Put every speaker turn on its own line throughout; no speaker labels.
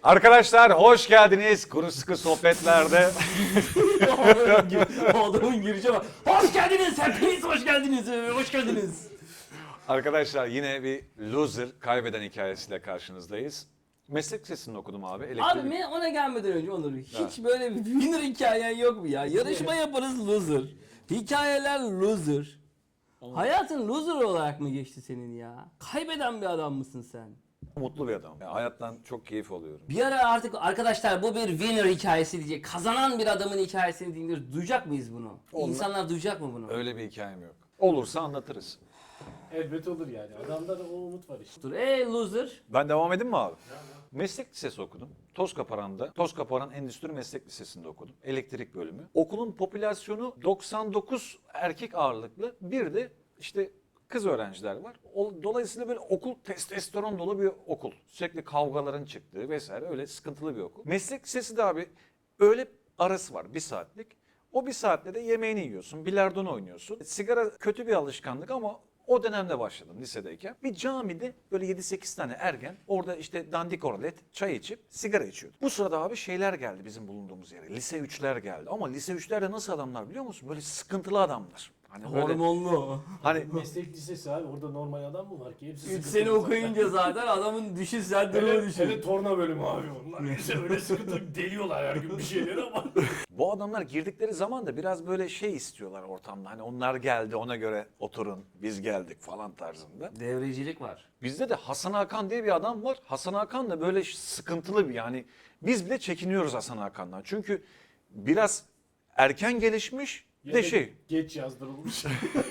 Arkadaşlar hoş geldiniz Kuru Sıkı Sohbetler'de.
Adamın girişe bak. Hoş geldiniz, hepiniz hoş geldiniz, hoş geldiniz.
Arkadaşlar yine bir loser kaybeden hikayesiyle karşınızdayız. Meslek lisesini okudum abi. Elektrik...
Abi ona gelmeden önce Onur, hiç böyle bir winner hikayen yok mu ya? Yarışma yaparız loser. Hikayeler loser. Hayatın loser olarak mı geçti senin ya? Kaybeden bir adam mısın sen?
Mutlu bir adam. Yani hayattan çok keyif alıyorum.
Bir ara artık arkadaşlar bu bir winner hikayesi diyecek. Kazanan bir adamın hikayesini dinliyoruz. Duyacak mıyız bunu? İnsanlar duyacak mı bunu?
Öyle bir hikayem yok. Olursa anlatırız.
Elbet olur yani. Adamda da o umut var işte.
Dur, loser.
Ben devam edeyim mi abi? Meslek lisesi okudum. Tozkaparan Endüstri Meslek Lisesi'nde okudum. Elektrik bölümü. Okulun popülasyonu 99 erkek ağırlıklı. Bir de işte kız öğrenciler var. Dolayısıyla böyle okul testosteron dolu bir okul. Sürekli kavgaların çıktığı vesaire öyle sıkıntılı bir okul. Meslek lisesi de abi öğle arası var 1 saatlik. O 1 saatte de yemeğini yiyorsun, bilardon oynuyorsun. Sigara kötü bir alışkanlık ama o dönemde başladım lisedeyken. Bir camide böyle 7-8 tane ergen orada işte dandik orlet çay içip sigara içiyordu. Bu sırada abi şeyler geldi bizim bulunduğumuz yere. Lise 3'ler geldi. Ama lise 3'ler de nasıl adamlar biliyor musun? Böyle sıkıntılı adamlar. Hani böyle,
Hormonlu.
hani
Meslek lisesi abi. Orada normal adam mı var ki? Hepsi
3
sıkıntılı
sene
zaten.
okuyunca zaten adamın düşün sen durumu
Hele,
düşün.
hele torna bölümü abi onlar. İşte öyle sıkıntı deliyorlar her gün bir şeyleri ama.
bu adamlar girdikleri zaman da biraz böyle şey istiyorlar ortamda. Hani onlar geldi ona göre oturun biz geldik falan tarzında.
Devrecilik var.
Bizde de Hasan Hakan diye bir adam var. Hasan Hakan da böyle sıkıntılı bir yani biz bile çekiniyoruz Hasan Hakan'dan. Çünkü biraz erken gelişmiş
Ya
de
da
şey.
geç yazdırılmış.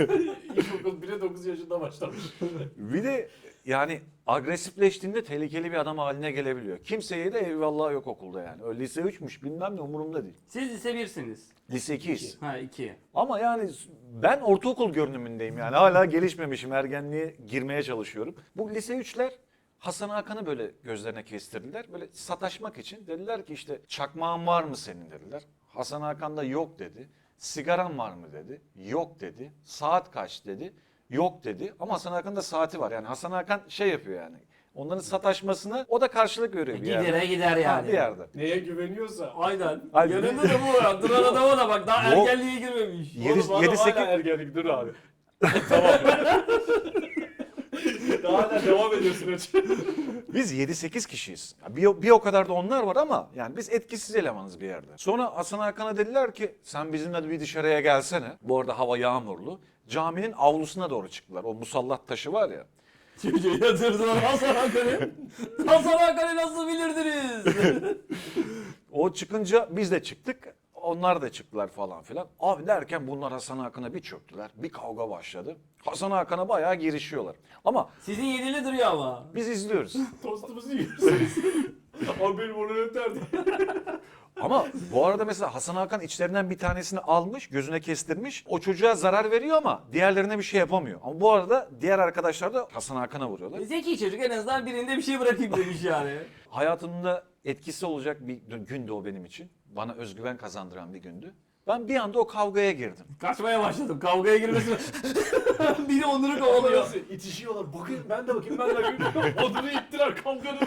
İlkokul 1'e 9 yaşında başlamış.
Bir de yani agresifleştiğinde tehlikeli bir adam haline gelebiliyor. Kimseye de eyvallah yok okulda yani. Öyle lise 3'müş bilmem ne umurumda değil.
Siz lise 1'siniz.
Lise 2'yiz.
Ha 2.
Ama yani ben ortaokul görünümündeyim yani. Hala gelişmemişim. Ergenliğe girmeye çalışıyorum. Bu lise 3'ler Hasan Hakan'ı böyle gözlerine kestirdiler. Böyle sataşmak için dediler ki işte çakmağın var mı senin dediler. Hasan Hakan da yok dedi. Sigaran var mı dedi. Yok dedi. Saat kaç dedi. Yok dedi. Ama Hasan Hakan'ın da saati var. Yani Hasan Hakan şey yapıyor yani. Onların sataşmasına o da karşılık veriyor bir yerde.
Gidere gider
Ha,
yani.
bir yerde.
Neye güveniyorsa.
Aynen.
Abi,
Yanında da bu var. Duran adama da bak daha
Yok.
ergenliğe girmemiş.
Yedi-
Oğlum adam
7-8
hala ergenlik dur abi. Tamam. Daha hala devam ediyorsun hocam.
Biz 7-8 kişiyiz. Bir o kadar da onlar var ama yani biz etkisiz elemanız bir yerde. Sonra Hasan Hakan'a dediler ki sen bizimle de bir dışarıya gelsene. Bu arada hava yağmurlu. Caminin avlusuna doğru çıktılar. O musallat taşı var ya.
Çocuğu yatırdılar Hasan Hakan'ı. Hasan Hakan'ı nasıl bilirdiniz?
O çıkınca biz de çıktık. Onlar da çıktılar falan filan. Abi derken bunlar Hasan Hakan'a bir çöktüler. Bir kavga başladı. Hasan Hakan'a bayağı girişiyorlar. Ama
Sizin yedili duruyor ama.
biz izliyoruz.
Tostumuzu yiyorsunuz. Abi benim onu öterdi.
Ama bu arada mesela Hasan Hakan içlerinden bir tanesini almış, gözüne kestirmiş. O çocuğa zarar veriyor ama diğerlerine bir şey yapamıyor. Ama bu arada diğer arkadaşlar da Hasan Hakan'a vuruyorlar.
Zeki çocuk en azından birinde bir şey bırakayım demiş yani.
Hayatımda etkisi olacak bir gündü o benim için. Bana özgüven kazandıran bir gündü. Ben bir anda o kavgaya girdim.
Kaçmaya başladım. Kavgaya girmesi. Biri Onur'u kovalıyor.
Nasıl itişiyorlar. Bakın ben de bakayım ben de bakayım. Odunu ittiler kavganın.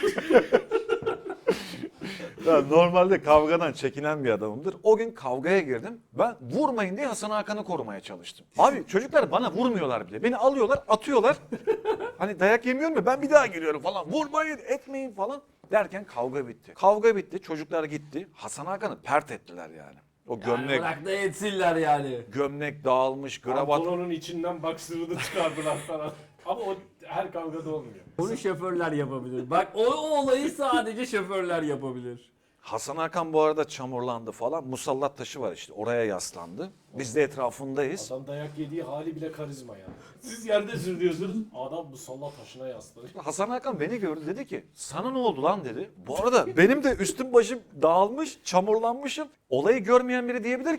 Ben normalde kavgadan çekinen bir adamımdır. O gün kavgaya girdim. Ben vurmayın diye Hasan Hakan'ı korumaya çalıştım. Abi çocuklar bana vurmuyorlar bile. Beni alıyorlar, atıyorlar. Hani dayak yemiyorum ya ben bir daha giriyorum falan. Vurmayın, etmeyin falan. Derken kavga bitti. Kavga bitti, çocuklar gitti. Hasan Hakan'ı pert ettiler yani. O gömlek,
Bırak da etsinler yani.
gömlek dağılmış, kravat.
Pantolonun içinden baksırını çıkardılar falan. Ama o her kavgada olmuyor.
Bunu şoförler yapabilir. Bak o olayı sadece şoförler yapabilir.
Hasan Hakan bu arada çamurlandı falan. Musallat taşı var işte oraya yaslandı. Biz de etrafındayız.
Adam dayak yediği hali bile karizma yani. Siz yerde sürüyorsunuz. Adam musalla taşına yaslanıyor.
Hasan Hakan beni gördü dedi ki sana ne oldu lan dedi. Bu arada benim de üstüm başım dağılmış, çamurlanmışım. Olayı görmeyen biri diyebilir ki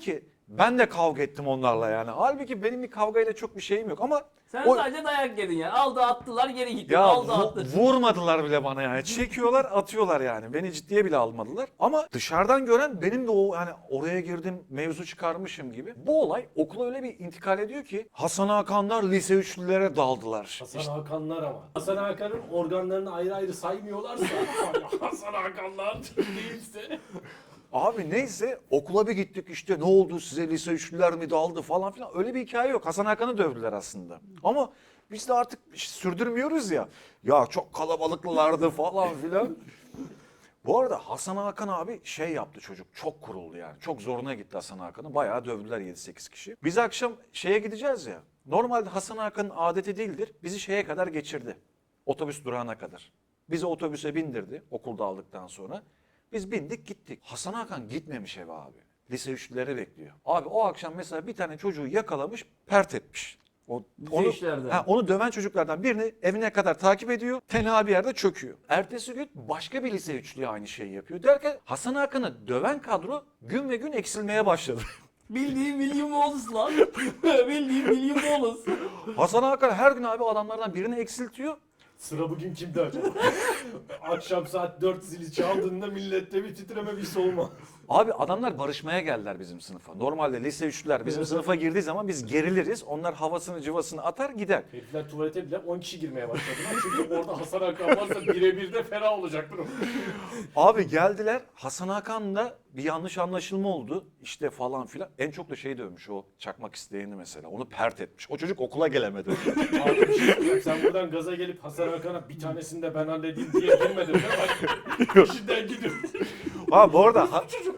Ben de kavga ettim onlarla yani. Halbuki benim bir kavgayla çok bir şeyim yok ama
Sen
o-
sadece dayak yedin yani. Aldı attılar geri gitti.
ya
Aldı attı.
vurmadılar bile bana yani. Çekiyorlar, atıyorlar yani. Beni ciddiye bile almadılar. Ama dışarıdan gören benim de o yani oraya girdim, mevzu çıkarmışım gibi. Bu olay okula öyle bir intikal ediyor ki Hasan Hakanlar lise üçlülere daldılar.
Hasan
İşte
Hakanlar ama. Hasan Hakan'ın organlarını ayrı ayrı saymıyorlarsa Hasan Hakanlar değilse.
abi neyse okula bir gittik işte ne oldu size lise üçlüler mi daldı falan filan. Öyle bir hikaye yok. Hasan Hakan'ı dövdüler aslında. Ama biz de artık sürdürmüyoruz ya. Ya çok kalabalıklardı falan filan. Bu arada Hasan Hakan abi şey yaptı çocuk. Çok kuruldu yani. Çok zoruna gitti Hasan Hakan'ı. Bayağı dövdüler 7-8 kişi. Biz akşam şeye gideceğiz ya. Normalde Hasan Hakan'ın adeti değildir. Bizi şeye kadar geçirdi. Otobüs durağına kadar. Bizi otobüse bindirdi okulda aldıktan sonra. Biz bindik gittik. Hasan Hakan gitmemiş eve abi. Lise üçlüleri bekliyor. Abi o akşam mesela bir tane çocuğu yakalamış, pert etmiş. Onu,
üçlerden.
onu döven çocuklardan birini evine kadar takip ediyor. Tenha bir yerde çöküyor. Ertesi gün başka bir lise üçlüğü aynı şeyi yapıyor. Derken Hasan Hakan'ı döven kadro gün ve gün eksilmeye başladı.
Bildiğin William Wallace lan. Bildiğin William Wallace.
Hasan Hakan her gün abi adamlardan birini eksiltiyor.
Sıra bugün kimde acaba? Akşam saat 4 zili çaldığında millette bir titreme bir soğuma.
Abi adamlar barışmaya geldiler bizim sınıfa. Normalde lise üçlüler bizim sınıfa girdiği zaman biz geriliriz. Onlar havasını cıvasını atar gider.
Herifler tuvalete bile 10 kişi girmeye başladılar. Çünkü orada Hasan Hakan varsa birebir de fena olacak durum.
Abi geldiler Hasan Hakan'la bir yanlış anlaşılma oldu. İşte falan filan. En çok da şey dövmüş o çakmak isteyeni mesela. Onu pert etmiş. O çocuk okula gelemedi.
Abi bir şey söyleyeyim. Sen buradan gaza gelip Hasan Hakan'a bir tanesini de ben halledeyim diye girmedin değil mi? Bak işinden gidiyor.
Ha bu arada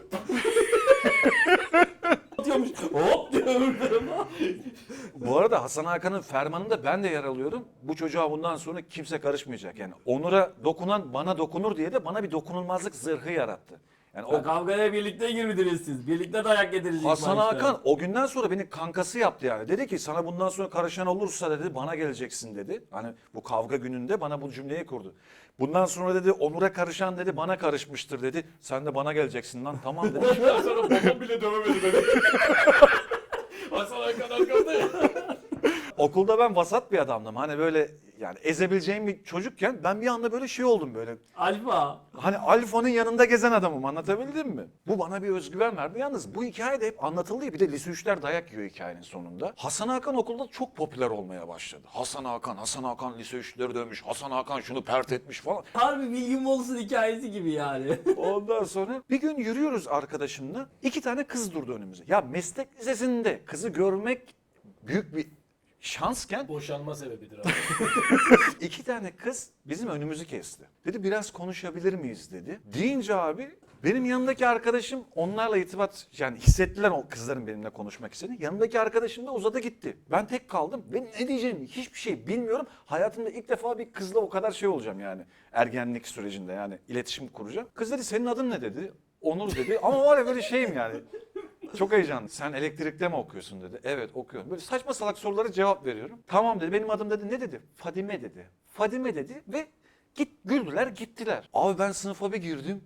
Atıyormuş. Hop diyorum.
bu arada Hasan Hakan'ın fermanında ben de yer alıyorum. Bu çocuğa bundan sonra kimse karışmayacak. Yani Onur'a dokunan bana dokunur diye de bana bir dokunulmazlık zırhı yarattı. Yani o
Kavgaya birlikte girdiniz siz. Birlikte dayak yediniz ilk
Hasan
başta.
Hakan o günden sonra beni kankası yaptı yani. Dedi ki sana bundan sonra karışan olursa dedi bana geleceksin dedi. Hani bu kavga gününde bana bu cümleyi kurdu. Bundan sonra dedi Onur'a karışan dedi bana karışmıştır dedi. Sen de bana geleceksin lan tamam dedi.
Ondan sonra babam bile dövemedi beni. Hasan Hakan arkamda ya.
Okulda ben vasat bir adamdım. Hani böyle yani ezebileceğim bir çocukken ben bir anda böyle şey oldum böyle.
Alfa.
Hani Alfa'nın yanında gezen adamım anlatabildim mi? Bu bana bir özgüven verdi. Yalnız bu hikaye de hep anlatıldı ya. Bir de lise 3'ler dayak yiyor hikayenin sonunda. Hasan Hakan okulda çok popüler olmaya başladı. Hasan Hakan lise 3'leri dövmüş. Hasan Hakan şunu pert etmiş falan.
Harbi William Wallace'ın hikayesi gibi yani.
Ondan sonra bir gün yürüyoruz arkadaşımla. 2 tane kız durdu önümüze. Ya meslek lisesinde kızı görmek büyük bir şansken
Boşanma sebebidir abi.
2 tane kız bizim önümüzü kesti. Dedi biraz konuşabilir miyiz dedi. Deyince abi benim yanındaki arkadaşım onlarla irtibat yani hissettiler o kızların benimle konuşmak istediğini. Yanındaki arkadaşım da uzadı gitti. Ben tek kaldım. Ben ne diyeceğimi hiçbir şey bilmiyorum. Hayatımda ilk defa bir kızla o kadar şey olacağım yani. Ergenlik sürecinde yani iletişim kuracağım. Kız dedi senin adın ne dedi. Onur dedi ama var ya böyle şeyim yani. Çok heyecanlı. Sen elektrikte mi okuyorsun dedi. Evet okuyorum. Böyle saçma salak sorulara cevap veriyorum. Tamam dedi. Benim adım dedi. Ne dedi? Fadime dedi. Fadime dedi ve güldüler gittiler. Abi ben sınıfa bir girdim.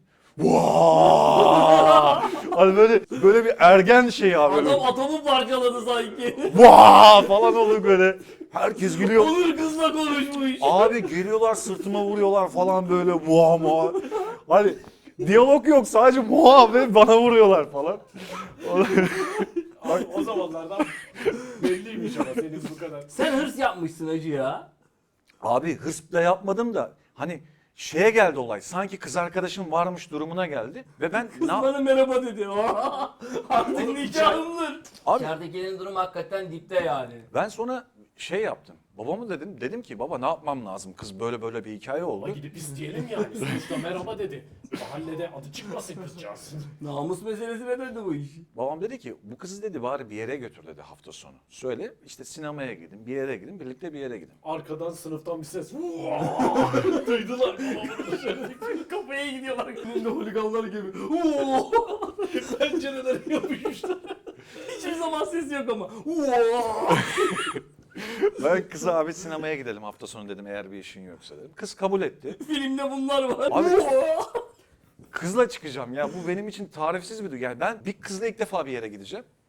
Vaa! Hani böyle bir ergen şey abi. Böyle.
Adam atomu parçaladı sanki.
Vaa! Falan oldu böyle. Herkes gülüyor.
Onur kızla konuşmuş.
Abi geliyorlar sırtıma vuruyorlar falan böyle muha muha. Hani diyalog yok sadece muha ve bana vuruyorlar falan.
Abi o zamanlardan belliymiş ama senin bu kadar.
Sen hırs yapmışsın hacı ya.
Abi hırsla yapmadım da hani şeye geldi olay. Sanki kız arkadaşım varmış durumuna geldi ve ben
Kız bana merhaba dedi. Artık
Oğlum,
nikahımdır.
Abi-
İçeridekilerin durumu hakikaten dipte yani.
ben sonra şey yaptım. Babamı dedim ki baba ne yapmam lazım? Kız böyle bir hikaye
Ama
oldu.
gidip isteyelim yani. Sonuçta merhaba dedi. Mahallede adı çıkmasın kızcağız.
Namus meselesine döndü bu iş.
Babam dedi ki bu kızı dedi bari bir yere götür dedi hafta sonu. Söyle işte sinemaya gidin, bir yere gidin, birlikte bir yere gidin.
Arkadan sınıftan bir ses. Duydular. Babamın dışarıdaki
Kafaya gidiyorlar. Önünde holiganlar gibi.
pencerelere yapışmışlar.
Hiçbir zaman ses yok ama.
Ben kıza abi sinemaya gidelim hafta sonu dedim eğer bir işin yoksa dedim. Kız kabul etti.
Filmde bunlar var.
Abi- Kızla çıkacağım ya bu benim için tarifsiz bir duygu. Yani ben bir kızla ilk defa bir yere gideceğim.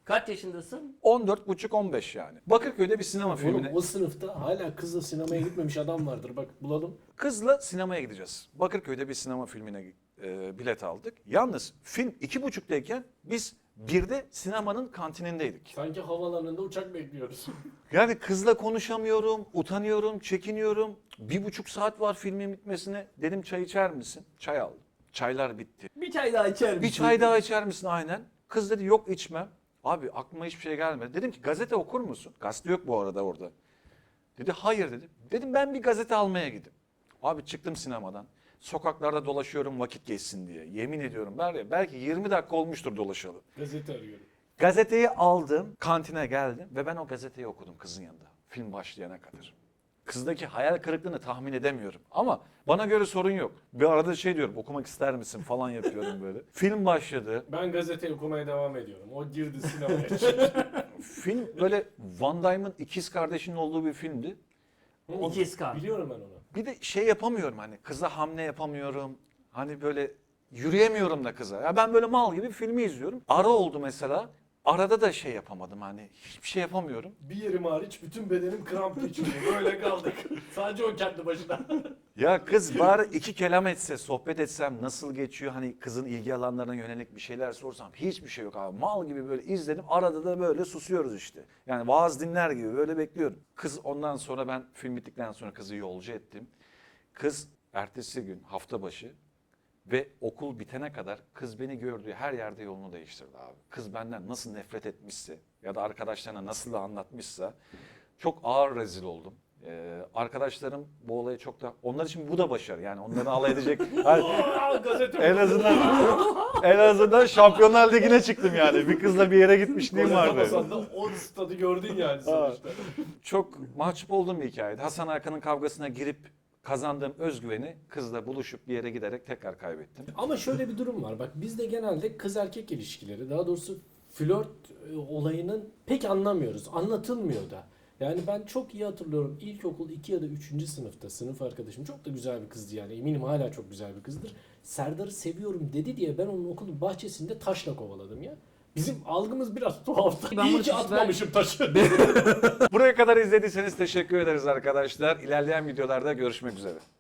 Kaç yaşındasın?
14,5-15 yani. Bakırköy'de bir sinema
Oğlum
filmine.
o sınıfta hala kızla sinemaya gitmemiş adam vardır. Bak bulalım.
Kızla sinemaya gideceğiz. Bakırköy'de bir sinema filmine bilet aldık. Yalnız film 2.30'dayken biz 1'de sinemanın kantinindeydik.
Sanki havaalanında uçak bekliyoruz.
Yani kızla konuşamıyorum, utanıyorum, çekiniyorum. 1,5 saat var filmin bitmesine. Dedim çay içer misin? Çay aldım. Çaylar bitti.
Bir çay daha içer misin?
Bir çay daha içer misin? Aynen. Kız dedi yok içmem. Abi aklıma hiçbir şey gelmedi. Dedim ki gazete okur musun? Gazete yok bu arada orada. Dedi hayır dedim. Dedim ben bir gazete almaya gideyim. Abi çıktım sinemadan. Sokaklarda dolaşıyorum vakit geçsin diye. Yemin ediyorum belki 20 dakika olmuştur dolaşalı.
Gazete arıyorum.
Gazeteyi aldım, kantine geldim ve ben o gazeteyi okudum kızın yanında. Film başlayana kadar. Kızdaki hayal kırıklığını tahmin edemiyorum. Ama bana göre sorun yok. Bir arada şey diyorum, okumak ister misin falan yapıyorum böyle. Film başladı.
Ben gazete okumaya devam ediyorum. O girdi sinemaya.
Film böyle Van Damme'ın ikiz kardeşinin olduğu bir filmdi.
İkiz kan.
Biliyorum ben onu.
Bir de şey yapamıyorum hani kıza hamle yapamıyorum. Hani böyle yürüyemiyorum da kıza. Ya ben böyle mal gibi filmi izliyorum. Ara oldu mesela. Arada da şey yapamadım hani hiçbir şey yapamıyorum.
Bir yerim hariç bütün bedenim kramp geçiriyor. Böyle kaldık. Sadece o kendi başına.
Ya kız bari iki kelam etse, sohbet etsem nasıl geçiyor? Hani kızın ilgi alanlarına yönelik bir şeyler sorsam hiçbir şey yok abi. Mal gibi böyle izledim. Arada da böyle susuyoruz işte. Yani vaaz dinler gibi böyle bekliyorum. Kız ondan sonra ben film bittikten sonra kızı yolcu ettim. Kız ertesi gün hafta başı ve okul bitene kadar kız beni gördüğü her yerde yolunu değiştirdi abi. Kız benden nasıl nefret etmişse ya da arkadaşlarına nasıl anlatmışsa çok ağır rezil oldum. Arkadaşlarım bu olayı çok da onlar için bu da başarı yani onları alay edecek.
Gazete
en azından Şampiyonlar Ligi'ne çıktım yani. Bir kızla bir yere gitmişliğim vardı.
Atamasan da o stadı gördün yani sonuçta.
Çok mahcup olduğum bir hikayeydi. Hasan Hakan'ın kavgasına girip kazandığım özgüveni kızla buluşup bir yere giderek tekrar kaybettim.
Ama şöyle bir durum var. Bak bizde genelde kız erkek ilişkileri, daha doğrusu flört olayının pek anlamıyoruz. Anlatılmıyor da. Yani ben çok iyi hatırlıyorum. İlkokul 2 ya da 3. sınıfta sınıf arkadaşım çok da güzel bir kızdı yani. Eminim hala çok güzel bir kızdır. Serdar'ı seviyorum dedi diye ben onun okulun bahçesinde taşla kovaladım ya. Bizim algımız biraz tuhaftı.
Ben
İyi
bunu
ki
hiç
atmamışım taşı.
Buraya kadar izlediyseniz teşekkür ederiz arkadaşlar. İlerleyen videolarda görüşmek üzere.